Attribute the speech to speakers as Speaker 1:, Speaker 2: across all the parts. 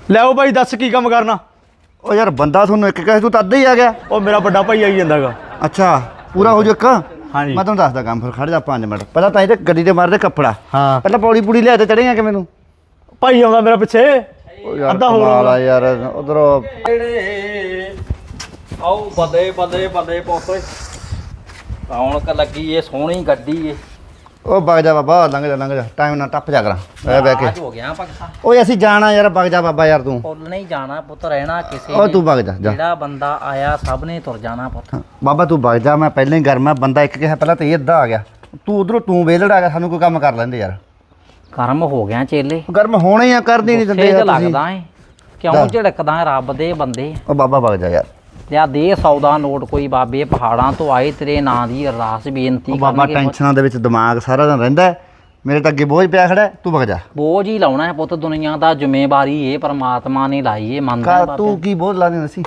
Speaker 1: ਲਿਆਓ ਭਾਈ ਦੱਸ ਕੀ ਕੰਮ ਕਰਨਾ।
Speaker 2: ਉਹ ਯਾਰ ਬੰਦਾ ਤੁਹਾਨੂੰ ਇੱਕ ਕਹੇ ਤੂੰ ਤਾਂ ਅੱਧਾ ਹੀ ਆ ਗਿਆ।
Speaker 1: ਉਹ ਮੇਰਾ ਵੱਡਾ ਭਾਈ ਆਈ ਜਾਂਦਾਗਾ।
Speaker 2: ਅੱਛਾ ਪੂਰਾ ਹੋ ਜਾ ਇੱਕ।
Speaker 1: ਹਾਂਜੀ
Speaker 2: ਮੈਂ ਤੁਹਾਨੂੰ ਦੱਸਦਾ ਕੰਮ, ਫਿਰ ਖੜ ਜਾ 5 ਮਿੰਟ। ਪਹਿਲਾਂ ਤਾਂ ਇਹ ਗੱਡੀ ਤੇ ਮਾਰਦੇ ਕੱਪੜਾ।
Speaker 1: ਹਾਂ
Speaker 2: ਪਹਿਲਾਂ ਪੌੜੀ ਪੂੜੀ ਲਿਆ ਤੇ ਚੜੇਗਾ ਕਿ ਮੈਨੂੰ
Speaker 1: ਭਾਈ ਆਉਂਦਾ ਮੇਰਾ ਪਿੱਛੇ।
Speaker 2: ਅੱਧਾ ਹੋ ਯਾਰ ਉਧਰੋਂ
Speaker 3: ਆਓ ਬੱਲੇ ਬੱਲੇ ਬੱਲੇ ਪੋਤੇ ਰੌਣਕ ਲੱਗੀ ਏ, ਸੋਹਣੀ ਗੱਡੀ ਏ।
Speaker 2: ਉਹ ਵਗ ਜਾ ਬਾਬਾ, ਲੰਘ ਜਾ ਟਾਈਮ ਨਾਲ ਟੱਪ ਜਾ ਕਰਾਂ ਬਹਿ ਕੇ।
Speaker 3: ਅੱਜ ਹੋ ਗਿਆ ਪੱਕਾ।
Speaker 2: ਓਏ ਅਸੀਂ ਜਾਣਾ ਯਾਰ, ਵਗ ਜਾ ਬਾਬਾ ਯਾਰ ਤੂੰ।
Speaker 3: ਪੁੱਲ ਨਹੀਂ ਜਾਣਾ ਪੁੱਤ, ਰਹਿਣਾ ਕਿਸੇ
Speaker 2: ਉਹ ਤੂੰ ਵਗ ਜਾ
Speaker 3: ਜਿਹੜਾ ਬੰਦਾ ਆਇਆ ਸਭ ਨੇ ਤੁਰ ਜਾਣਾ ਪੁੱਤ।
Speaker 2: ਬਾਬਾ ਤੂੰ ਵਗ ਜਾ, ਮੈਂ ਪਹਿਲਾਂ ਹੀ ਗਰਮ ਆ। ਬੰਦਾ ਇੱਕ ਕਿਹਾ ਪਹਿਲਾਂ ਤੇ ਇਹ ਅੱਧਾ ਆ ਗਿਆ, ਤੂੰ ਉਧਰੋਂ ਤੂੰ ਵੇਲੜ ਆ ਗਿਆ। ਸਾਨੂੰ ਕੋਈ ਕੰਮ ਕਰ ਲੈਂਦੇ ਯਾਰ।
Speaker 3: ਕਰਮ ਹੋ ਗਿਆ ਚੇਲੇ,
Speaker 2: ਗਰਮ ਹੋਣੇ ਹੀ ਆ, ਕਰਦੀ ਨਹੀਂ ਦਿੰਦੇ
Speaker 3: ਗੁੱਸੇ 'ਚ
Speaker 2: ਯਾਰ ਤੁਸੀਂ।
Speaker 3: ਲੱਗਦਾ ਏ ਕਿਉਂ ਝਿੜਕਦਾ ਰੱਬ ਦੇ ਬੰਦੇ।
Speaker 2: ਉਹ ਬਾਬਾ ਵਗ ਜਾ ਯਾਰ।
Speaker 3: ਲਿਆ ਦੇ 100 ਦਾ ਨੋਟ ਕੋਈ ਬਾਬੇ ਪਹਾੜਾਂ ਤੋਂ ਆਏ ਤੇਰੇ ਨਾਂ ਦੀ ਅਰਦਾਸ ਬੇਨਤੀ
Speaker 2: ਉਹ ਬਾਬਾ
Speaker 3: ਕਰਨਗੇ ਪੁੱਤ।
Speaker 2: ਟੈਨਸ਼ਨਾਂ ਦੇ ਵਿੱਚ ਦਿਮਾਗ ਸਾਰਾ ਦਿਨ ਰਹਿੰਦਾ ਹੈ। ਮੇਰੇ ਤਾਂ ਅੱਗੇ ਬੋਝ ਪਿਆ ਖੜਾ ਹੈ, ਤੂੰ ਵਗ ਜਾ।
Speaker 3: ਬੋਝ ਹੀ ਲਾਉਣਾ ਹੈ ਪੁੱਤ, ਦੁਨੀਆ ਦਾ ਜ਼ਿੰਮੇਵਾਰੀ ਏ ਪਰਮਾਤਮਾ ਨੇ ਲਾਈ ਏ। ਮੰਨਦਾ ਬਾਬੇ,
Speaker 2: ਤੂੰ ਕੀ ਬੋਝ ਲਾ ਦੇ ਸੀ।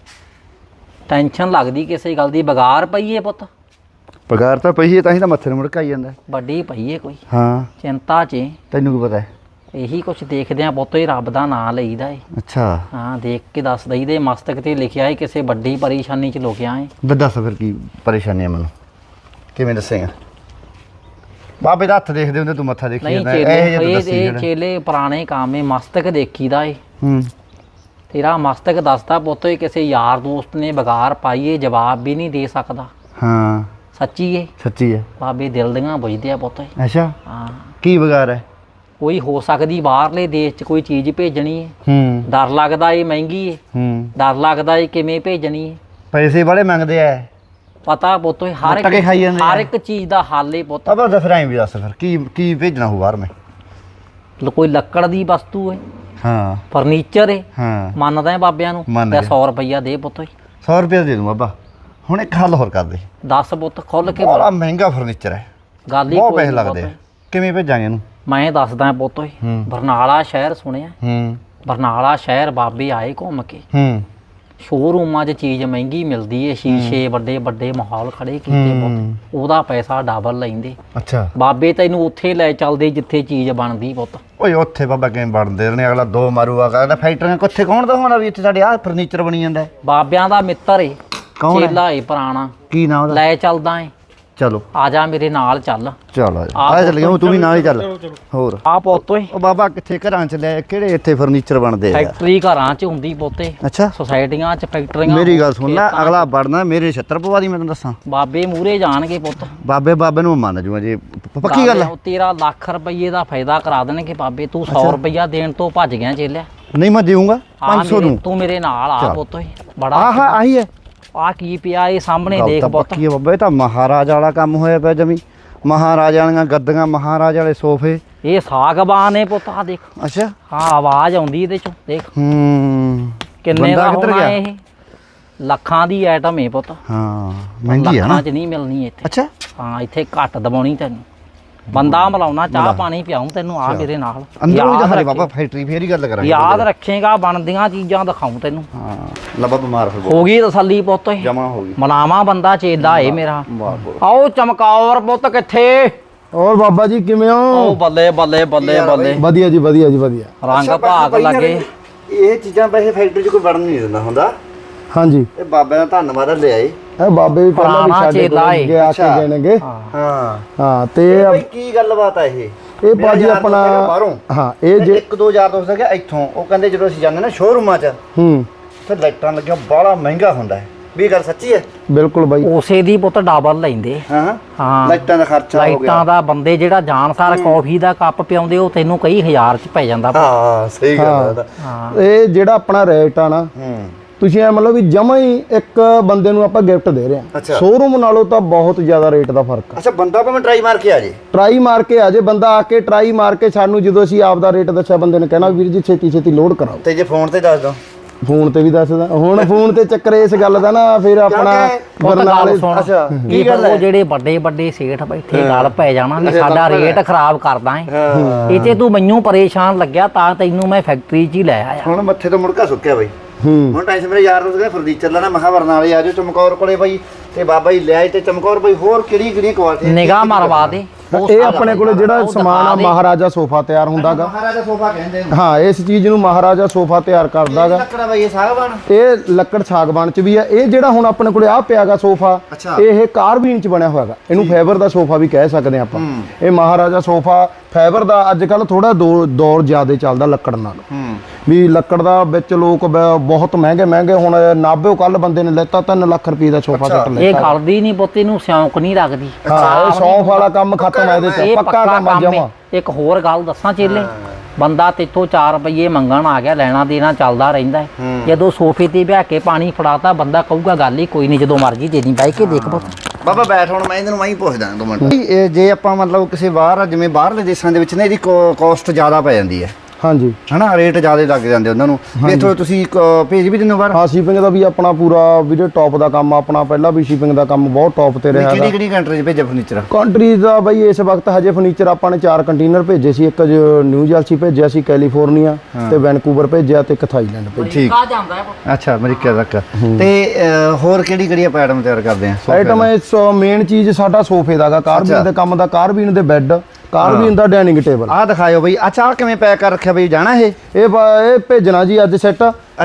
Speaker 3: ਟੈਨਸ਼ਨ ਲੱਗਦੀ ਕਿਸੇ ਗੱਲ ਦੀ, ਬਗਾਰ ਪਈ ਏ ਪੁੱਤ।
Speaker 2: ਪਗਾਰ ਤਾਂ ਪਈ ਹੈ, ਤਾਂ ਹੀ ਤਾਂ ਮੱਥੇ ਨੂੰ ਮੁੜਕਾਈ ਜਾਂਦਾ।
Speaker 3: ਵੱਡੀ ਪਈ ਏ ਕੋਈ
Speaker 2: ਹਾਂ
Speaker 3: ਚਿੰਤਾ 'ਚ ਏ।
Speaker 2: ਤੈਨੂੰ ਕੀ ਪਤਾ ਹੈ।
Speaker 3: ਇਹੀ ਕੁਛ ਦੇਖਦੇ ਆ ਪੁੱਤ, ਹੀ ਰੱਬ ਦਾ ਨਾਂ ਲਈਦਾ ਏ।
Speaker 2: ਅੱਛਾ
Speaker 3: ਹਾਂ ਦੇਖ ਕੇ ਦੱਸ ਦਈਦੇ ਮਸਤਕ ਤੇ ਲਿਖਿਆ ਏ, ਕਿਸੇ ਵੱਡੀ ਪਰੇਸ਼ਾਨੀ 'ਚ ਲੁਕਿਆ ਏ।
Speaker 2: ਦੱਸ ਫਿਰ ਕੀ ਪਰੇਸ਼ਾਨੀ ਹੈ ਮੈਨੂੰ, ਕਿਵੇਂ ਦੱਸੇਗਾ। ਬਾਬੇ ਦਾ ਹੱਥ ਦੇਖਦੇ ਹੁੰਦੇ, ਤੂੰ ਮੱਥਾ ਦੇਖੀ
Speaker 3: ਨਹੀਂ
Speaker 2: ਜਾਂਦਾ।
Speaker 3: ਚੇਲੇ ਇਹ ਚੇਲੇ ਪੁਰਾਣੇ ਕੰਮ ਏ, ਮਸਤਕ ਦੇਖੀਦਾ ਏ। ਤੇਰਾ ਮਸਤਕ ਦੱਸਦਾ ਪੁੱਤ, ਇਹ ਕਿਸੇ ਯਾਰ ਦੋਸਤ ਨੇ ਬਗਾਰ ਪਾਈਏ, ਜਵਾਬ ਵੀ ਨਹੀਂ ਦੇ ਸਕਦਾ।
Speaker 2: ਹਾਂ
Speaker 3: ਸੱਚੀ ਏ,
Speaker 2: ਸੱਚੀ ਹੈ।
Speaker 3: ਬਾਬੇ ਦਿਲ ਦੀਆਂ ਬੁਝਦੇ ਆ ਪੁੱਤ।
Speaker 2: ਅੱਛਾ
Speaker 3: ਹਾਂ
Speaker 2: ਕੀ ਬਗਾਰ ਹੈ।
Speaker 3: ਕੋਈ ਹੋ ਸਕਦੀ ਬਾਹਰਲੇ ਦੇਸ਼ 'ਚ ਕੋਈ ਚੀਜ਼ ਭੇਜਣੀ ਏ, ਡਰ ਲੱਗਦਾ ਏ ਮਹਿੰਗੀ ਏ, ਡਰ ਲੱਗਦਾ ਏ ਕਿਵੇਂ ਭੇਜਣੀ ਏ।
Speaker 2: ਪੈਸੇ ਬੜੇ ਮੰਗਦੇ ਆ।
Speaker 3: ਪਤਾ ਪੁੱਤ ਹਰ
Speaker 2: ਟਕੇ ਖਾਈ ਜਾਂਦੇ ਆ।
Speaker 3: ਹਰ ਇੱਕ ਚੀਜ਼ ਦਾ ਹੱਲ ਏ ਪੁੱਤ।
Speaker 2: ਅਬਾ ਦੱਸ ਰਾਈ ਵੀ ਦੱਸ ਫਿਰ ਕੀ ਭੇਜਣਾ ਹੋ ਬਾਹਰ ਮੈਂ।
Speaker 3: ਕੋਈ ਲੱਕੜ ਦੀ ਵਸਤੂ ਏ,
Speaker 2: ਹਾਂ
Speaker 3: ਫਰਨੀਚਰ ਏ,
Speaker 2: ਹਾਂ
Speaker 3: ਮੰਨਦਾ ਏ ਬਾਬਿਆਂ ਨੂੰ,
Speaker 2: ਮੰਨ
Speaker 3: ਤੇ
Speaker 2: ਗਿਆ।
Speaker 3: 100 ਰੁਪਈਆ ਦੇ ਪੁੱਤ।
Speaker 2: 100 ਰੁਪਏ ਦੇ ਦੂੰ ਬਾਬਾ। ਹੁਣ ਇੱਕ ਹੱਲ ਹੋਰ ਕਰ ਦੇ।
Speaker 3: ਦੱਸ ਪੁੱਤ ਖੁੱਲ ਕੇ
Speaker 2: ਬੜਾ ਮਹਿੰਗਾ ਫਰਨੀਚਰ ਹੈ,
Speaker 3: ਗੱਲ ਹੀ
Speaker 2: ਬਹੁਤ
Speaker 3: ਕੋਈ
Speaker 2: ਪੈਸੇ
Speaker 3: ਨੀ
Speaker 2: ਲੱਗਦੇ ਆ।
Speaker 3: ਪੁੱਤ।
Speaker 2: ਕਿਵੇਂ ਭੇਜਾਂਗੇ ਇਹਨੂੰ।
Speaker 3: ਮੈਂ ਦੱਸਦਾ ਪੁੱਤ ਓਏ, ਬਰਨਾਲਾ ਸ਼ਹਿਰ ਸੁਣਿਆ। ਬਰਨਾਲਾ ਸ਼ਹਿਰ ਬਾਬੇ ਆਏ ਘੁੰਮ ਕੇ। ਸ਼ੋਰੂਮਾਂ 'ਚ ਚੀਜ਼ ਮਹਿੰਗੀ ਮਿਲਦੀ ਏ, ਸ਼ੀਸ਼ੇ ਵੱਡੇ ਵੱਡੇ ਮਾਹੌਲ ਖੜੇ ਕੀਤੇ ਪੁੱਤ, ਉਹਦਾ ਪੈਸਾ ਡਬਲ ਲੈਂਦੇ।
Speaker 2: ਅੱਛਾ
Speaker 3: ਬਾਬੇ ਤੈਨੂੰ ਉੱਥੇ ਲੈ ਚੱਲਦੇ ਜਿੱਥੇ ਚੀਜ਼ ਬਣਦੀ ਪੁੱਤ।
Speaker 2: ਓਏ ਉੱਥੇ ਬਾਬਾ ਕਿਵੇਂ ਬਣਦੇ ਨੇ, ਅਗਲਾ ਦੋ ਮਾਰੂਗਾ, ਕਹਿੰਦਾ ਫੈਕਟਰੀਆਂ ਕਿੱਥੇ ਕੌਣ ਦਾ ਹੋਣਾ ਵੀ ਇੱਥੇ ਸਾਡੇ ਆਹ ਫਰਨੀਚਰ ਬਣੀ ਜਾਂਦਾ ਹੈ।
Speaker 3: ਬਾਬਿਆਂ ਦਾ ਮਿੱਤਰ ਏ,
Speaker 2: ਕੌਣ ਹੈ?
Speaker 3: ਚੇਲਾ ਏ ਪੁਰਾਣਾ,
Speaker 2: ਕੀ ਨਾਮ ਉਹਦਾ।
Speaker 3: ਲੈ ਚੱਲਦਾ ਏ।
Speaker 2: ਚਲੋ
Speaker 3: ਆ ਜਾ ਮੇਰੇ ਨਾਲ ਚੱਲ।
Speaker 2: ਚਲ ਆ ਚੱਲ ਗਿਆ, ਤੂੰ ਵੀ ਨਾਲ ਹੀ ਚੱਲ। ਹੋਰ
Speaker 3: ਆ ਪੁੱਤ ਓਏ,
Speaker 2: ਉਹ ਬਾਬਾ ਕਿੱਥੇ ਘਰਾਂ ਚ ਲੈ, ਕਿਹੜੇ ਇੱਥੇ ਫਰਨੀਚਰ ਬਣਦੇ ਆ।
Speaker 3: ਫੈਕਟਰੀ ਘਰਾਂ 'ਚ ਹੁੰਦੀ ਪੁੱਤੇ,
Speaker 2: ਅੱਛਾ
Speaker 3: ਸੁਸਾਇਟੀਆਂ 'ਚ ਫੈਕਟਰੀਆਂ।
Speaker 2: ਮੇਰੀ ਗੱਲ ਸੁਣ ਲੈ, ਅਗਲਾ ਵੜਨਾ ਮੇਰੇ 76 ਪਵਾ ਦੀ। ਮੈਂ ਤੈਨੂੰ ਦੱਸਾਂ
Speaker 3: ਬਾਬੇ ਮੂਹਰੇ ਜਾਣਗੇ ਪੁੱਤ।
Speaker 2: ਬਾਬੇ ਨੂੰ ਮੰਨ ਜੂਗਾ ਜੇ ਪੱਕੀ ਗੱਲ ਹੈ।
Speaker 3: ਤੇਰਾ ਲੱਖ ਰੁਪਏ ਦਾ ਫਾਇਦਾ ਕਰਾ ਦੇਣਗੇ ਬਾਬੇ। ਤੂੰ 100 ਰੁਪਈਆ ਦੇਣ ਤੋਂ ਭੱਜ ਗਿਆ ਚੇਲਿਆ।
Speaker 2: ਨਹੀਂ ਮੈਂ ਦੇਊਂਗਾ 500 ਨੂੰ।
Speaker 3: ਤੂੰ ਮੇਰੇ ਨਾਲ ਆ ਪੁੱਤ ਓਏ। ਬੜਾ
Speaker 2: ਆਹ ਆਹੀ ਹੈ।
Speaker 3: ਆ ਕੀ ਪਿਆ ਇਹ ਸਾਹਮਣੇ
Speaker 2: ਗੱਲ
Speaker 3: ਦੇਖ
Speaker 2: ਤਾਂ
Speaker 3: ਪੁੱਤ।
Speaker 2: ਪੱਕੀ ਹੈ ਬਾਬਾ, ਇਹ ਤਾਂ ਮਹਾਰਾਜ ਵਾਲਾ ਕੰਮ ਹੋਇਆ ਪਿਆ ਜਮੀ। ਮਹਾਰਾਜਾ ਵਾਲੀਆਂ ਗੱਦੀਆਂ, ਮਹਾਰਾਜ ਵਾਲੇ ਸੋਫੇ।
Speaker 3: ਇਹ ਸਾਗਬਾਨ ਏ ਪੁੱਤ, ਆ ਦੇਖ।
Speaker 2: ਅੱਛਾ
Speaker 3: ਹਾਂ ਆਵਾਜ਼ ਆਉਂਦੀ ਇਹਦੇ ਚੋਂ, ਦੇਖ ਕਿੰਨੇ
Speaker 2: ਬੰਦਾ
Speaker 3: ਦਾ
Speaker 2: ਕਿੱਧਰ
Speaker 3: ਹੋਣਾ
Speaker 2: ਗਿਆ?
Speaker 3: ਇਹ ਲੱਖਾਂ ਦੀ ਆਈਟਮ ਏ ਪੁੱਤ।
Speaker 2: ਹਾਂ ਮਹਿੰਗੀ ਹੈ ਨਾ।
Speaker 3: ਲੱਖਾਂ 'ਚ ਨਹੀਂ ਮਿਲਣੀ ਇੱਥੇ।
Speaker 2: ਅੱਛਾ
Speaker 3: ਹਾਂ ਇੱਥੇ ਘੱਟ ਦਬਾਉਣੀ ਤੈਨੂੰ। ਬੰਦਾ ਮਿਲਾਉਣਾ, ਚਾਹ ਪਾਣੀ ਪਿਆਉਂ ਤੈਨੂੰ। ਆ ਮੇਰੇ ਨਾਲ
Speaker 2: ਅੰਦਰੋਂ ਹੀ
Speaker 3: ਯਾਦ
Speaker 2: ਦਿਖਾ ਦੇ
Speaker 3: ਰੱਖੀ।
Speaker 2: ਬਾਬਾ, ਫੈਕਟਰੀ ਫੇਰ ਹੀ ਗੱਲ ਕਰਾਂਗੇ।
Speaker 3: ਯਾਦ ਰੱਖੇਗਾ, ਬਣਦੀਆਂ ਚੀਜ਼ਾਂ ਦਿਖਾਉਂ ਤੈਨੂੰ।
Speaker 2: ਹਾਂ ਲੱਭਾ ਬਿਮਾਰ ਹੋ
Speaker 3: ਹੋ ਗਈ ਤਸੱਲੀ ਪੁੱਤ ਓਏ।
Speaker 2: ਜਮਾ ਹੋ ਗਈ।
Speaker 3: ਮਨਾਵਾ ਬੰਦਾ ਚੇਲਾ ਏ ਮੇਰਾ।
Speaker 2: ਵਾਹ ਬੋਲ।
Speaker 3: ਆਓ ਚਮਕੌਰ ਪੁੱਤ ਕਿੱਥੇ?
Speaker 4: ਹੋਰ ਬਾਬਾ ਜੀ ਕਿਵੇਂ ਹੋ?
Speaker 3: ਉਹ ਬੱਲੇ ਬੱਲੇ ਬੱਲੇ ਬੱਲੇ,
Speaker 4: ਵਧੀਆ ਜੀ ਵਧੀਆ ਜੀ ਵਧੀਆ।
Speaker 3: ਰੰਗ ਭਾਗ ਲੱਗੇ।
Speaker 2: ਇਹ ਚੀਜ਼ਾਂ ਵੈਸੇ ਫੈਕਟਰੀ 'ਚ ਕੋਈ ਵੜਨ ਨਹੀਂ ਦਿੰਦਾ ਹੁੰਦਾ।
Speaker 4: ਹਾਂਜੀ
Speaker 2: ਇਹ ਬਾਬੇ ਦਾ ਧੰਨਵਾਦ ਲੈ ਆਏ।
Speaker 4: ਇਹ ਬਾਬੇ ਵੀ ਪਹਿਲਾਂ ਵੀ
Speaker 3: ਪੁਰਾਣਾ
Speaker 4: ਸਾਡੇ
Speaker 3: ਚੇਲਾ
Speaker 4: ਕੋਲ
Speaker 3: ਏ।
Speaker 4: ਗਏ ਆ ਕੇ
Speaker 2: ਅੱਛਾ।
Speaker 4: ਦੇਣਗੇ।
Speaker 2: ਹਾਂ
Speaker 4: ਹਾਂ ਤੇ
Speaker 2: ਭਾਈ ਕੀ ਗੱਲਬਾਤ ਆ ਇਹ।
Speaker 4: ਇਹ ਬਾਜੀ
Speaker 2: ਮੇਰਾ ਯਾਰ
Speaker 4: ਆਪਣਾ
Speaker 2: ਦੋਸਤ ਹੈਗਾ ਬਾਹਰੋਂ।
Speaker 4: ਹਾਂ ਇਹ ਜੇ
Speaker 2: ਇੱਕ ਦੋ ਯਾਰ ਦੋਸਤ ਹੈਗਾ ਇੱਥੋਂ, ਉਹ ਕਹਿੰਦੇ ਜਦੋਂ ਅਸੀਂ ਜਾਂਦੇ ਨਾ ਸ਼ੋਰੂਮਾਂ 'ਚ ਤੇ ਲਾਈਟਾਂ ਲੱਗੀਆਂ ਬਾਹਲਾ ਮਹਿੰਗਾ ਹੁੰਦਾ ਹੈ। ਵੀ ਇਹ ਗੱਲ ਸੱਚੀ ਹੈ।
Speaker 4: ਬਿਲਕੁਲ ਬਾਈ।
Speaker 3: ਉਸੇ ਦੀ ਪੁੱਤ ਡਬਲ ਲੈਂਦੇ।
Speaker 2: ਹਾਂ
Speaker 3: ਹਾਂ
Speaker 2: ਲਾਈਟਾਂ ਦਾ ਖਰਚਾ ਹੋ ਗਿਆ।
Speaker 3: ਲਾਈਟਾਂ ਦਾ ਬੰਦੇ ਜਿਹੜਾ ਜਾਣਸਾਰ ਕੌਫੀ ਦਾ ਕੱਪ ਪਿਆਉਂਦੇ, ਉਹ ਤੈਨੂੰ ਕਈ ਹਜ਼ਾਰ 'ਚ ਪੈ ਜਾਂਦਾ।
Speaker 2: ਹਾਂ ਸਹੀ ਗੱਲ ਹੈ।
Speaker 3: ਹਾਂ
Speaker 4: ਇਹ ਜਿਹੜਾ ਆਪਣਾ ਰੇਟ ਆ ਨਾ, ਤੁਸੀਂ ਐ ਮਤਲਬ ਵੀ ਜਮਾ ਹੀ ਇੱਕ ਬੰਦੇ ਨੂੰ ਆਪਾਂ ਗਿਫਟ ਦੇ ਰਹੇ ਹਾਂ।
Speaker 2: ਅੱਛਾ।
Speaker 4: ਸ਼ੋਰੂਮ ਨਾਲੋਂ ਤਾਂ ਬਹੁਤ ਜ਼ਿਆਦਾ ਰੇਟ ਦਾ ਫਰਕ ਆ।
Speaker 2: ਅੱਛਾ ਬੰਦਾ ਭਾਵੇਂ ਟਰਾਈ ਮਾਰ ਕੇ ਆ ਜੇ।
Speaker 4: ਟਰਾਈ ਮਾਰ ਕੇ ਆ ਜੇ ਬੰਦਾ, ਆ ਕੇ ਟਰਾਈ ਮਾਰ ਕੇ ਸਾਨੂੰ ਜਦੋਂ ਅਸੀਂ ਆਪ ਦਾ ਰੇਟ ਦੱਸਿਆ, ਬੰਦੇ ਨੇ ਕਹਿਣਾ ਵੀਰ ਜੀ ਛੇਤੀ ਛੇਤੀ ਲੋਡ ਕਰਾਓ।
Speaker 2: ਤੇ ਜੇ ਫੋਨ ਤੇ ਦੱਸ ਦੋ।
Speaker 4: ਫੋਨ ਤੇ ਵੀ ਦੱਸਦਾ। ਹੁਣ ਫੋਨ ਤੇ ਚੱਕਰ ਇਸ ਗੱਲ ਦਾ ਨਾ, ਫਿਰ ਆਪਣਾ ਬਰਨਾਲੇ।
Speaker 3: ਸੁਣ,
Speaker 2: ਅੱਛਾ
Speaker 3: ਕੀ ਗੱਲ ਉਹ ਜਿਹੜੇ ਵੱਡੇ ਵੱਡੇ ਸੇਠ ਬੈਠੇ ਗੱਲ ਪੈ ਜਾਣਾ ਵੀ ਸਾਡਾ ਰੇਟ ਖਰਾਬ ਕਰਦਾ ਹੈ। ਇਹ ਤੇ ਤੂੰ ਮੈਨੂੰ ਪਰੇਸ਼ਾਨ ਲੱਗਿਆ, ਤਾਂ ਤੈਨੂੰ ਮੈਂ ਫੈਕਟਰੀ 'ਚ ਹੀ ਲੈ ਆਇਆ।
Speaker 2: ਹੁਣ ਮੱਥੇ ਤੋਂ ਮੁੜਕਾ ਸੁੱਕਿਆ ਬਾਈ। ਹੁਣ ਟਾਈਮ ਮੇਰੇ ਯਾਰ ਦੋਸਤ ਕਹਿੰਦੇ ਫਰਨੀਚਰ ਲੈਣਾ। ਮੈਂ ਕਿਹਾ ਬਰਨਾਲੇ ਆ ਜਾਓ ਚਮਕੌਰ ਕੋਲੇ ਬਾਈ, ਤੇ ਬਾਬਾ ਜੀ ਲਿਆਏ ਤੇ ਚਮਕੌਰ ਬਈ ਹੋਰ ਕਿਹੜੀ ਕੁਆਲਿਟੀ
Speaker 3: ਨਿਗਾਹ ਮਰਵਾ ਦੇ
Speaker 4: ਇਹ ਆਪਣੇ ਕੋਲੇ ਜਿਹੜਾ ਸਮਾਨ ਆ ਮਹਾਰਾਜਾ ਸੋਫਾ ਤਿਆਰ ਹੁੰਦਾਗਾ।
Speaker 2: ਮਹਾਰਾਜਾ ਸੋਫਾ ਕਹਿੰਦੇ ਨੇ।
Speaker 4: ਹਾਂ, ਇਸ ਚੀਜ਼ ਨੂੰ ਮਹਾਰਾਜਾ ਸੋਫਾ ਤਿਆਰ ਕਰਦਾਗਾ।
Speaker 2: ਲੱਕੜਾ ਬਈ ਇਹ ਸਾਗਵਾਨ,
Speaker 4: ਇਹ ਲੱਕੜ ਸਾਗਵਾਨ ਚ ਵੀ ਆ। ਇਹ ਜਿਹੜਾ ਹੁਣ ਆਪਣੇ ਕੋਲੇ ਆ ਪਿਆਗਾ ਸੋਫਾ,
Speaker 2: ਅੱਛਾ।
Speaker 4: ਇਹ ਕਾਰਬੀਨ ਚ ਬਣਿਆ ਹੋਇਆਗਾ। ਇਹਨੂੰ ਫਾਈਬਰ ਦਾ ਸੋਫਾ ਵੀ ਕਹਿ ਸਕਦੇ ਆਪਾਂ। ਇਹ ਮਹਾਰਾਜਾ ਸੋਫਾ ਫਾਈਬਰ ਦਾ ਅੱਜ ਕੱਲ ਥੋੜਾ ਦੌਰ ਜ਼ਿਆਦਾ ਚੱਲਦਾ ਲੱਕੜ ਨਾਲ। ਵੀ ਲੱਕੜ ਦਾ ਵਿੱਚ ਲੋਕ ਬਹੁਤ ਮਹਿੰਗੇ ਹੁਣ ਨਾਭੇ ਕੱਲ ਬੰਦੇ ਨੇ ਲੈਤਾ 3 ਲੱਖ ਰੁਪਏ ਦਾ ਸੋਫਾ ਸੈੱਟ
Speaker 3: ਇਹ
Speaker 4: ਲੈਤਾ।
Speaker 3: ਖੜਦੀ ਨਹੀਂ ਪੁੱਤ, ਇਹਨੂੰ ਸਿਉਂਕ ਨਹੀਂ ਲੱਗਦੀ।
Speaker 4: ਹਾਂ, ਇਹ ਸੌਂਫ ਵਾਲਾ ਕੰਮ ਖਤਮ ਹੈ ਇਹਦੇ ਚ,
Speaker 3: ਇਹ
Speaker 4: ਪੱਕਾ ਕੰਮ ਆ ਜਮਾ।
Speaker 3: ਇੱਕ ਹੋਰ ਗੱਲ ਦੱਸਾਂ ਚੇਲੇ, ਬੰਦਾ ਤੇਥੋਂ 4 ਰੁਪਏ ਮੰਗਣ ਆ ਗਿਆ, ਲੈਣਾ ਦੇਣਾ ਚੱਲਦਾ ਰਹਿੰਦਾ ਹੈ। ਜਦੋਂ ਸੋਫੇ ਤੇ ਬਹਿ ਕੇ ਪਾਣੀ ਫੜਾਤਾ ਬੰਦਾ ਕਹੂਗਾ ਗੱਲ ਹੀ ਕੋਈ ਨਹੀਂ, ਜਦੋਂ ਮਰਜੀ ਦੇ ਦੀ ਬਹਿ ਕੇ ਦੇਖ ਪੁੱਤ।
Speaker 2: ਬਾਬਾ ਬੈਠ ਹੁਣ ਮੈਂ ਇਹਨੂੰ ਮੈਂ ਹੀ ਪੁੱਛਦਾ 2 ਮਿੰਟ। ਇਹ ਜੇ ਆਪਾਂ ਮਤਲਬ ਕਿਸੇ ਬਾਹਰ ਜਿਵੇਂ ਬਾਹਰਲੇ ਦੇਸ਼ਾਂ ਦੇ ਵਿੱਚ ਨਾ ਇਹਦੀ ਕਾਸਟ ਜ਼ਿਆਦਾ ਪੈ ਜਾਂਦੀ ਹੈ
Speaker 4: ਹਾਂਜੀ,
Speaker 2: ਹਨਾ, ਰੇਟ ਜ਼ਿਆਦਾ ਲੱਗ ਜਾਂਦੇ ਉਹਨਾਂ ਨੂੰ। ਇੱਥੋਂ ਤੁਸੀਂ ਭੇਜ ਵੀ ਦਿੰਦੇ ਹੋ ਬਾਹਰ?
Speaker 4: ਹਾਂ, ਸ਼ਿਪਿੰਗ ਦਾ ਵੀ ਆਪਣਾ ਪੂਰਾ ਵੀਡੀਓ ਟੌਪ ਦਾ ਕੰਮ ਆ ਆਪਣਾ। ਪਹਿਲਾਂ ਵੀ ਸ਼ਿਪਿੰਗ ਦਾ ਕੰਮ ਬਹੁਤ ਟੌਪ ਤੇ ਰਿਹਾ।
Speaker 2: ਕਿਹੜੀ ਕੰਟਰੀ 'ਚ ਭੇਜਿਆ ਫਰਨੀਚਰ?
Speaker 4: ਕੰਟਰੀ ਦਾ ਬਈ ਇਸ ਵਕਤ ਹਜੇ ਫਰਨੀਚਰ ਆਪਾਂ ਨੇ 4 ਕੰਟੇਨਰ ਭੇਜੇ ਸੀ। ਇੱਕ ਨਿਊ ਜਰਸੀ ਭੇਜਿਆ ਸੀ, ਕੈਲੀਫੋਰਨੀਆ ਤੇ ਵੈਨਕੂਵਰ ਭੇਜਿਆ ਤੇ ਇੱਕ ਥਾਈਲੈਂਡ ਭੇਜਿਆ।
Speaker 2: ਠੀਕ,
Speaker 3: ਜਾਂਦਾ ਹੈ
Speaker 2: ਅੱਛਾ, ਅਮਰੀਕਾ ਤੱਕ। ਤੇ ਹੋਰ ਕਿਹੜੀ ਆਪਾਂ ਆਈਟਮ ਤਿਆਰ ਕਰਦੇ ਆ?
Speaker 4: ਆਈਟਮ ਇਸ ਮੇਨ ਚੀਜ਼ ਸਾਡਾ ਸੋਫੇ ਦਾਗਾ, ਕਾਰਬੀਨ ਦੇ ਕੰਮ ਦਾ, ਕਾਰਬੀਨ ਦੇ ਬੈੱਡ, ਕਾਰਬੀਨ ਦਾ ਡਾਈਨਿੰਗ ਟੇਬਲ।
Speaker 2: ਆਹ ਦਿਖਾਇਓ ਬਈ। ਅੱਛਾ, ਆਹ ਕਿਵੇਂ ਪੈਕ ਕਰ ਰੱਖਿਆ ਬਈ? ਜਾਣਾ ਇਹ
Speaker 4: ਭੇਜਣਾ ਜੀ ਅੱਜ ਸੈੱਟ।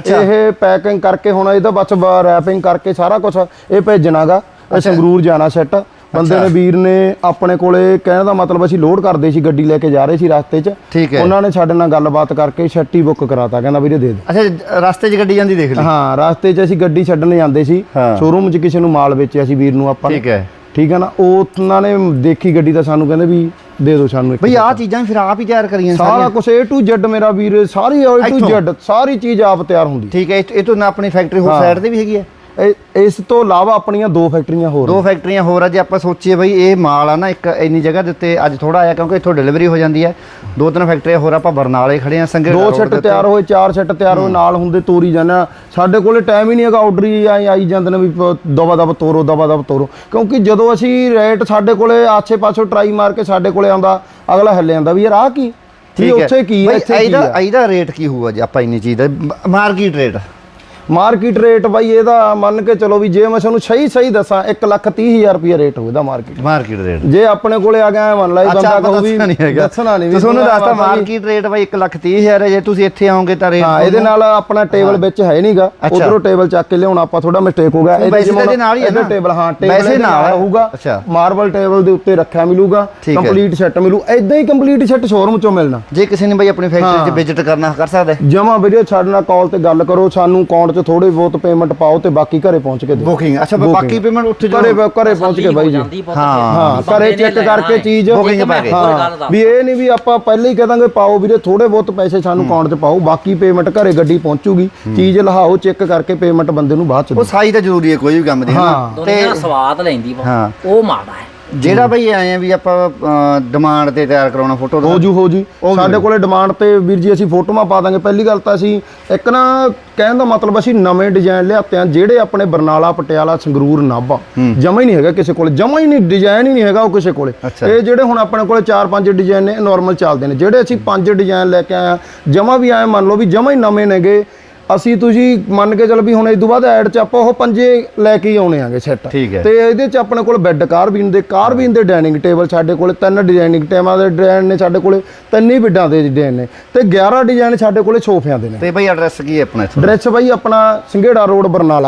Speaker 4: ਇਹ ਪੈਕਿੰਗ ਕਰਕੇ ਹੁਣ ਇਹਦਾ ਬਸ ਰੈਪਿੰਗ ਕਰਕੇ ਸਾਰਾ ਕੁਝ ਇਹ ਭੇਜਣਾਗਾ। ਇਹ ਸੰਗਰੂਰ ਜਾਣਾ ਸੈੱਟ। ਬੰਦੇ ਨੇ ਵੀਰ ਨੇ ਆਪਣੇ ਕੋਲੇ, ਕਹਿਣ ਦਾ ਮਤਲਬ ਅਸੀਂ ਲੋਡ ਕਰਦੇ ਸੀ, ਗੱਡੀ ਲੈ ਕੇ ਜਾ ਰਹੇ ਸੀ ਰਸਤੇ 'ਚ।
Speaker 2: ਠੀਕ ਹੈ।
Speaker 4: ਉਹਨਾਂ ਨੇ ਸਾਡੇ ਨਾਲ ਗੱਲਬਾਤ ਕਰਕੇ ਛੱਟੀ ਬੁੱਕ ਕਰਾਤਾ, ਕਹਿੰਦਾ ਵੀਰੇ ਦੇ ਦੇ।
Speaker 2: ਅੱਛਾ, ਰਸਤੇ 'ਚ ਗੱਡੀ ਜਾਂਦੀ ਦੇਖ ਲਈ?
Speaker 4: ਹਾਂ, ਰਸਤੇ 'ਚ ਅਸੀਂ ਗੱਡੀ ਛੱਡਣ ਜਾਂਦੇ ਸੀ, ਸ਼ੋਰੂਮ 'ਚ ਕਿਸੇ ਨੂੰ ਮਾਲ ਵੇਚਿਆ ਸੀ ਵੀਰ ਨੂੰ ਆਪਾਂ ਨੇ।
Speaker 2: ਠੀਕ ਹੈ,
Speaker 4: ਠੀਕ ਹੈ ਨਾ। ਉਹਨਾਂ ਨੇ ਦੇਖੀ ਗੱਡੀ ਤਾਂ ਸਾਨੂੰ ਕਹਿੰਦੇ ਵੀ ਦੇ ਦਿਓ ਸਾਨੂੰ।
Speaker 2: ਬਈ ਆਹ ਚੀਜ਼ਾਂ ਫਿਰ ਆਪ ਹੀ ਤਿਆਰ ਕਰੀਆਂ
Speaker 4: ਸਾਰਾ ਕੁਝ A to Z ਮੇਰਾ ਵੀਰ, ਸਾਰੀ A to Z ਸਾਰੀ ਚੀਜ਼ ਆਪ ਤਿਆਰ ਹੁੰਦੀ।
Speaker 2: ਠੀਕ ਹੈ। ਇਹ ਤੋਂ ਨਾ ਆਪਣੀ ਫੈਕਟਰੀ ਹੋਰ ਸਾਈਡ ਤੇ ਵੀ ਹੈਗੀ ਹੈ?
Speaker 4: ਇਸ ਤੋਂ ਇਲਾਵਾ ਆਪਣੀਆਂ 2 ਫੈਕਟਰੀਆਂ ਹੋਰ।
Speaker 2: 2 ਫੈਕਟਰੀਆਂ ਹੋਰ ਆ। ਜੇ ਆਪਾਂ ਸੋਚੀਏ ਬਈ ਇਹ ਮਾਲ ਆ ਨਾ ਇੱਕ ਇੰਨੀ ਜਗ੍ਹਾ ਦੇ ਉੱਤੇ ਅੱਜ ਥੋੜਾ ਆਇਆ ਕਿਉਂਕਿ ਇੱਥੋਂ ਡਿਲੀਵਰੀ ਹੋ ਜਾਂਦੀ ਹੈ। 2-3 ਫੈਕਟਰੀਆਂ ਹੋਰ ਆਪਾਂ ਬਰਨਾਲੇ ਖੜੇ ਆ। ਸੰਗੇ
Speaker 4: 2 ਸੈੱਟ ਤਿਆਰ ਹੋਏ, 4 ਸੈੱਟ ਤਿਆਰ ਹੋਏ, ਨਾਲ ਹੁੰਦੇ ਤੋਰੀ ਜਾਣਾ। ਸਾਡੇ ਕੋਲੇ ਟਾਈਮ ਹੀ ਨਹੀਂ ਹੈਗਾ, ਆਰਡਰ ਹੀ ਆਈ ਜਾਂਦੇ ਨੇ ਵੀ ਦਵਾ ਦਵ ਤੋਰੋ। ਕਿਉਂਕਿ ਜਦੋਂ ਅਸੀਂ ਰੇਟ ਸਾਡੇ ਕੋਲੇ ਆਸੇ ਪਾਸੋਂ ਟਰਾਈ ਮਾਰ ਕੇ ਸਾਡੇ ਕੋਲੇ ਆਉਂਦਾ, ਅਗਲਾ ਹਿੱਲੇ ਜਾਂਦਾ ਵੀ ਯਾਰ ਆਹ ਕੀ, ਉੱਥੇ ਕੀ ਹੈ, ਇੱਥੇ ਕੀ ਹੈ।
Speaker 2: ਇਹਦਾ ਰੇਟ ਕੀ ਹੋਊਗਾ ਜੇ ਆਪਾਂ ਇੰਨੀ ਚੀਜ਼ ਦਾ ਮਾਰਕੀਟ ਰੇਟ?
Speaker 4: ਮਾਰਕੀਟ ਰੇਟ ਬਾਈ ਇਹਦਾ ਮੰਨ ਕੇ ਚਲੋ ਵੀ ਜੇ ਮੈਂ ਤੁਹਾਨੂੰ ਸਹੀ ਦੱਸਾਂ 1,30,000 ਰੁਪਏ ਰੇਟ ਹੋਵੇਦਾ ਮਾਰਕੀਟ ਰੇਟ। ਜੇ ਆਪਣੇ ਕੋਲੇ ਆ ਗਿਆ ਮੰਨ ਲਾ ਬੰਦਾ ਕਹੂ ਵੀ ਦੱਸਣਾ ਨਹੀਂ,
Speaker 2: ਤੁਹਾਨੂੰ ਦੱਸਤਾ ਮਾਰਕੀਟ ਰੇਟ ਬਾਈ 1,30,000 ਹੈ। ਜੇ ਤੁਸੀਂ ਇੱਥੇ ਆਓਗੇ ਤਾਂ ਰੇਟ
Speaker 4: ਇਹਦੇ ਨਾਲ ਆਪਣਾ ਟੇਬਲ ਵਿੱਚ ਹੈ ਨਹੀਂਗਾ, ਉਧਰੋਂ ਟੇਬਲ ਚੱਕ ਕੇ ਲਿਆਉਣਾ ਆਪਾਂ, ਥੋੜਾ ਮਿਸਟੇਕ ਹੋ ਗਿਆ।
Speaker 2: ਇਹਦੇ ਨਾਲ ਹੀ ਹੈ ਨਾ
Speaker 4: ਟੇਬਲ? ਹਾਂ, ਟੇਬਲ ਨਾਲ ਹੋਊਗਾ, ਮਾਰਬਲ ਟੇਬਲ ਦੇ ਉੱਤੇ ਰੱਖਿਆ ਮਿਲੂਗਾ, ਕੰਪਲੀਟ ਸੈੱਟ ਮਿਲੂ। ਇਦਾਂ ਹੀ ਕੰਪਲੀਟ ਸੈੱਟ ਸ਼ੋਰੂਮ ਚੋਂ ਮਿਲਣਾ।
Speaker 2: ਜੇ ਕਿਸੇ ਨੇ ਬਾਈ ਆਪਣੀ ਫੈਕਟਰੀ 'ਚ ਵਿਜ਼ਿਟ ਕਰਨਾ ਕਰ ਸਕਦਾ
Speaker 4: ਜਮਾ ਵੀਡੀਓ ਸਾਡੇ ਨਾਲ ਕਾਲ ਤੇ ਗੱਲ ਕਰੋ, ਸਾਨੂੰ ਅਕਾਊਂਟ 'ਚ ਥੋੜੇ ਬਹੁਤ ਪੇਮੈਂਟ ਪਾਓ ਤੇ ਬਾਕੀ ਘਰੇ ਪਹੁੰਚ ਕੇ ਦੇ
Speaker 2: ਬੁਕਿੰਗ। ਅੱਛਾ, ਬਾਕੀ ਪੇਮੈਂਟ ਉੱਥੇ
Speaker 4: ਘਰੇ ਪਹੁੰਚ ਕੇ ਬਾਈ ਜੀ। ਹਾਂ, ਘਰੇ ਚੈੱਕ ਕਰਕੇ ਚੀਜ਼
Speaker 2: ਬੁਕਿੰਗ ਪਾ ਕੇ।
Speaker 4: ਵੀ ਇਹ ਨਹੀਂ ਵੀ ਆਪਾਂ ਪਹਿਲੇ ਹੀ ਕਹਾਂਗੇ ਪਾਓ ਵੀਰੇ ਥੋੜੇ ਬਹੁਤ ਪੈਸੇ ਸਾਨੂੰ ਅਕਾਊਂਟ 'ਚ ਪਾਓ, ਬਾਕੀ ਪੇਮੈਂਟ ਘਰੇ ਗੱਡੀ ਪਹੁੰਚੂਗੀ, ਚੀਜ਼ ਲਹਾਓ, ਚੈੱਕ ਕਰਕੇ ਪੇਮੈਂਟ ਬੰਦੇ ਨੂੰ ਬਾਅਦ 'ਚ।
Speaker 2: ਉਹ ਸਾਈ ਤਾਂ ਜ਼ਰੂਰੀ ਹੈ ਕੋਈ ਵੀ ਕੰਮ ਦੀ।
Speaker 3: ਦੁਨੀਆ ਸਵਾਦ ਲੈਂਦੀ ਉਹ ਮਾੜਾ ਹੈ।
Speaker 2: ਜਿਹੜਾ ਬਈ ਆਏ ਆ ਵੀ ਆਪਾਂ ਡਿਮਾਂਡ ਤੇ ਤਿਆਰ ਕਰਾਉਣਾ ਫੋਟੋ
Speaker 4: ਹੋ ਜੂ ਸਾਡੇ ਕੋਲੇ ਡਿਮਾਂਡ ਤੇ ਵੀਰ ਜੀ ਅਸੀਂ ਫੋਟੋਆਂ ਪਾ ਦਾਂਗੇ। ਪਹਿਲੀ ਗੱਲ ਤਾਂ ਅਸੀਂ ਇੱਕ ਨਾ ਕਹਿਣ ਦਾ ਮਤਲਬ ਅਸੀਂ ਨਵੇਂ ਡਿਜ਼ਾਈਨ ਲਿਆਤੇ ਆ ਜਿਹੜੇ ਆਪਣੇ ਬਰਨਾਲਾ, ਪਟਿਆਲਾ, ਸੰਗਰੂਰ, ਨਾਭਾ ਜਮਾ ਹੀ ਨਹੀਂ ਹੈਗਾ ਕਿਸੇ ਕੋਲੇ, ਜਮਾ ਹੀ ਨਹੀਂ, ਡਿਜ਼ਾਈਨ ਹੀ ਨਹੀਂ ਹੈਗਾ ਉਹ ਕਿਸੇ ਕੋਲੇ। ਇਹ ਜਿਹੜੇ ਹੁਣ ਆਪਣੇ ਕੋਲੇ 4-5 ਡਿਜ਼ਾਈਨ ਨੇ ਨਾਰਮਲ ਚੱਲਦੇ ਨੇ, ਜਿਹੜੇ ਅਸੀਂ 5 ਡਿਜ਼ਾਈਨ ਲੈ ਕੇ ਆਏ ਆ ਜਮਾ ਵੀ ਆਏ ਮੰਨ ਲਓ ਵੀ ਜਮਾ ਹੀ ਨਵੇਂ ਨੇਗੇ। ਅਸੀਂ ਤੁਸੀਂ ਮੰਨ ਕੇ ਚੱਲ ਵੀ ਹੁਣ ਇਸ ਤੋਂ ਬਾਅਦ ਐਡ 'ਚ ਆਪਾਂ ਉਹ 5 ਲੈ ਕੇ ਹੀ ਆਉਣੇ ਆਗੇ ਸੈੱਟ। ਤੇ ਇਹਦੇ 'ਚ ਆਪਣੇ ਕੋਲ ਬੈੱਡ ਕਾਰਬੀਨ ਦੇ ਡਾਈਨਿੰਗ ਟੇਬਲ ਸਾਡੇ ਕੋਲੇ 3 ਡਿਜ਼ਾਈਨਿੰਗ ਟੇਬਲਾਂ ਦੇ ਡਿਜ਼ਾਈਨ ਨੇ ਸਾਡੇ ਕੋਲੇ, 3 ਹੀ ਬੈੱਡਾਂ ਦੇ ਡਿਜ਼ਾਈਨ ਨੇ ਤੇ 11 ਡਿਜ਼ਾਈਨ ਸਾਡੇ ਕੋਲੇ ਸੋਫਿਆਂ ਦੇ ਨੇ।
Speaker 2: ਤੇ ਬਈ ਐਡਰੈਸ ਕੀ ਹੈ ਆਪਣਾ?
Speaker 4: ਐਡਰੈਸ ਬਾਈ ਆਪਣਾ Sanghera road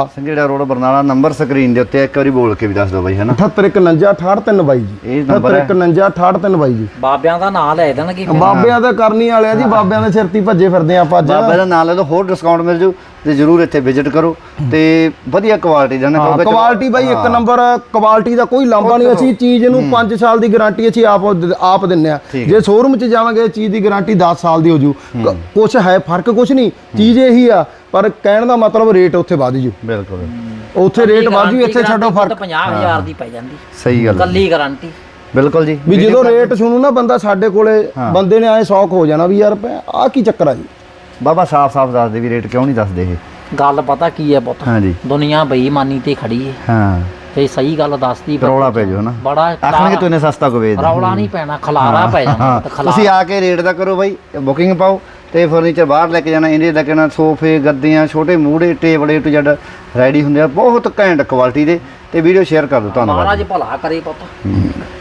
Speaker 4: Barnala. Number
Speaker 2: screen ਦੇ ਉੱਤੇ ਇੱਕ ਵਾਰੀ ਬੋਲ ਕੇ ਵੀ ਦੱਸ ਦਿਓ ਬਾਈ, ਹੈ ਨਾ?
Speaker 4: 785168 ਬਾਈ ਜੀ।
Speaker 2: ਇਹ ਨੰਬਰ
Speaker 4: 785168 ਬਾਈ ਜੀ।
Speaker 3: ਬਾਬਿਆਂ ਦਾ ਨਾਮ ਲੈ ਦੇਣਗੇ,
Speaker 4: ਬਾਬਿਆਂ ਦਾ ਕਰਨੀ ਵਾਲਿਆ ਜੀ, ਬਾਬਿਆਂ ਦੇ ਸਿਰ ਤੇ ਭੱਜੇ ਫਿਰਦੇ ਆਪਾਂ ਅੱਜ।
Speaker 2: ਬਾਬਿਆਂ ਦਾ ਨਾਮ ਲੈ ਲਓ, ਹੋਰ ਡਿਸਕਾਊਂਟ ਮਿਲ ਜੂ ਤੇ ਜਰੂਰ ਇੱਥੇ ਵਿਜ਼ਿਟ ਕਰੋ ਤੇ ਵਧੀਆ ਕੁਆਲਿਟੀ ਦਾ ਨਾ।
Speaker 4: ਕੁਆਲਿਟੀ ਬਾਈ ਇੱਕ ਨੰਬਰ, ਕੁਆਲਿਟੀ ਦਾ ਕੋਈ ਲਾਂਭਾ ਨਹੀਂ। ਅਸੀਂ ਚੀਜ਼ ਨੂੰ 5 ਸਾਲ ਦੀ ਗਾਰੰਟੀ ਅਸੀਂ ਆਪ ਦਿੰਨੇ ਆ। ਜੇ ਸ਼ੋਰੂਮ 'ਚ ਜਾਵਾਂਗੇ ਚੀਜ਼ ਦੀ ਗਾਰੰਟੀ 10 ਸਾਲ ਦੀ ਹੋ ਜੂ। ਕੁਛ ਹੈ ਫਰਕ, ਕੁਛ ਨਹੀਂ, ਚੀਜ਼ ਇਹੀ ਆ, ਪਰ ਕਹਿਣ ਦਾ ਮਤਲਬ ਰੇਟ ਉੱਥੇ ਵੱਧ ਜੂ।
Speaker 2: ਬਿਲਕੁਲ,
Speaker 4: ਉੱਥੇ ਰੇਟ ਵੱਧ ਜੂ, ਇੱਥੇ ਛੱਡੋ ਫਰਕ।
Speaker 3: 50,000 ਦੀ ਪੈ ਜਾਂਦੀ
Speaker 2: ਸਹੀ ਗੱਲ,
Speaker 3: ਕੱਲੀ ਗਾਰੰਟੀ।
Speaker 2: ਬਿਲਕੁਲ ਜੀ।
Speaker 4: ਵੀ ਜਦੋਂ ਰੇਟ ਸੁਣੂ ਨਾ ਬੰਦਾ ਸਾਡੇ ਕੋਲੇ, ਬੰਦੇ ਨੇ ਐ ਸ਼ੌਕ ਹੋ ਜਾਣਾ ਵੀ ਯਾਰ ਆਹ ਕੀ ਚੱਕਰ ਆ ਜੀ।
Speaker 2: ਬਾਬਾ ਸਾਫ਼ ਦੱਸਦੇ ਵੀ ਰੇਟ ਕਿਉਂ ਨਹੀਂ ਦੱਸਦੇ ਇਹ
Speaker 3: ਗੱਲ ਪਤਾ ਕੀ ਹੈ ਪੁੱਤ?
Speaker 2: ਹਾਂਜੀ,
Speaker 3: ਦੁਨੀਆ ਬੇਈਮਾਨੀ ਤੇ ਖੜੀ ਹੈ।
Speaker 2: ਹਾਂ,
Speaker 3: ਤੇ ਸਹੀ ਗੱਲ ਦੱਸਦੀ
Speaker 2: ਰੌਲਾ ਪੈ ਜਾਓ ਨਾ,
Speaker 3: ਬੜਾ
Speaker 2: ਆਖਣਗੇ ਤੂੰ ਇਹਨੇ ਸਸਤਾ ਕੋ ਵੇਚ ਦੇ।
Speaker 3: ਰੌਲਾ ਨਹੀਂ ਪੈਣਾ, ਖਲਾਰਾ ਪੈ ਜਾਣਾ।
Speaker 2: ਤੁਸੀਂ ਆ ਕੇ ਰੇਟ ਦਾ ਕਰੋ ਬਾਈ, ਬੁਕਿੰਗ ਪਾਓ ਤੇ ਫਰਨੀਚਰ ਬਾਹਰ ਲੈ ਕੇ ਜਾਣਾ, ਇੰਡੀਆ ਲੈ ਕੇ ਜਾਣਾ, ਸੋਫੇ ਗੱਦੀਆਂ ਛੋਟੇ ਮੂਹਰੇ table A to Z ready ਹੁੰਦੇ ਆ ਬਹੁਤ ਘੈਂਟ ਕੁਆਲਿਟੀ ਦੇ। ਤੇ ਵੀਡੀਓ ਸ਼ੇਅਰ ਕਰ ਦਿਓ, ਧੰਨਵਾਦ।
Speaker 3: ਮਹਾਰਾਜ ਭਲਾ ਕਰੇ ਪੁੱਤ।